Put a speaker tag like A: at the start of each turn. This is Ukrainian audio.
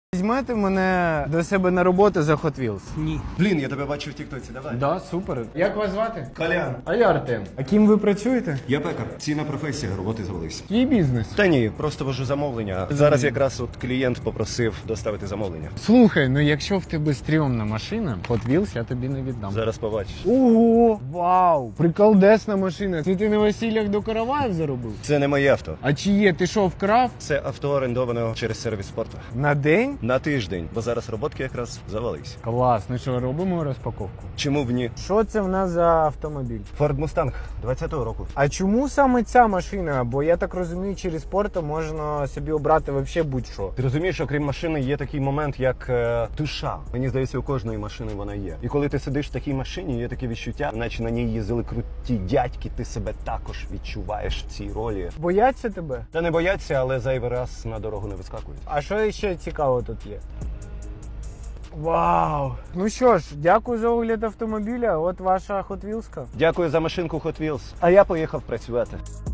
A: Візьмете мене до себе на роботу за Hot Wheels?
B: Ні.
C: Блін, я тебе бачу в тіктоці, давай.
A: Да, супер. Як вас звати?
C: Колян.
A: А я Артем. А ким ви працюєте?
C: Я пекар. Цінна професія, роботи завелись.
A: Твій бізнес.
C: Та ні, просто вожу замовлення. Зараз якраз от клієнт попросив доставити замовлення.
A: Слухай, ну якщо в тебе стрьомна машина, Hot Wheels я тобі не віддам.
C: Зараз побачиш.
A: Ого! Вау! Приколдесна машина. Це ти на весіллях до караваїв заробив?
C: Це не моє авто.
A: А чи є? Ти що, вкрав?
C: Це авто орендовано через сервіс спорту.
A: На день?
C: На тиждень, бо зараз роботки якраз завались.
A: Клас, ну що, робимо розпаковку?
C: Чому б ні?
A: Що це в нас за автомобіль?
C: Ford Mustang 20-го року.
A: А чому саме ця машина? Бо я так розумію, через спорту можна собі обрати взагалі будь-що.
C: Ти розумієш, що крім машини є такий момент, як душа. Мені здається, у кожної машини вона є. І коли ти сидиш в такій машині, є таке відчуття, наче на ній їздили круті дядьки, ти себе також відчуваєш в цій ролі.
A: Бояться тебе?
C: Та не бояться, але зайвий раз на дорогу не вискакують.
A: А що ще цікаво тут є? Вау! Ну що ж, дякую за огляд автомобіля. От ваша Hot Wheels-ка.
C: Дякую за машинку Hot Wheels. А я поїхав працювати.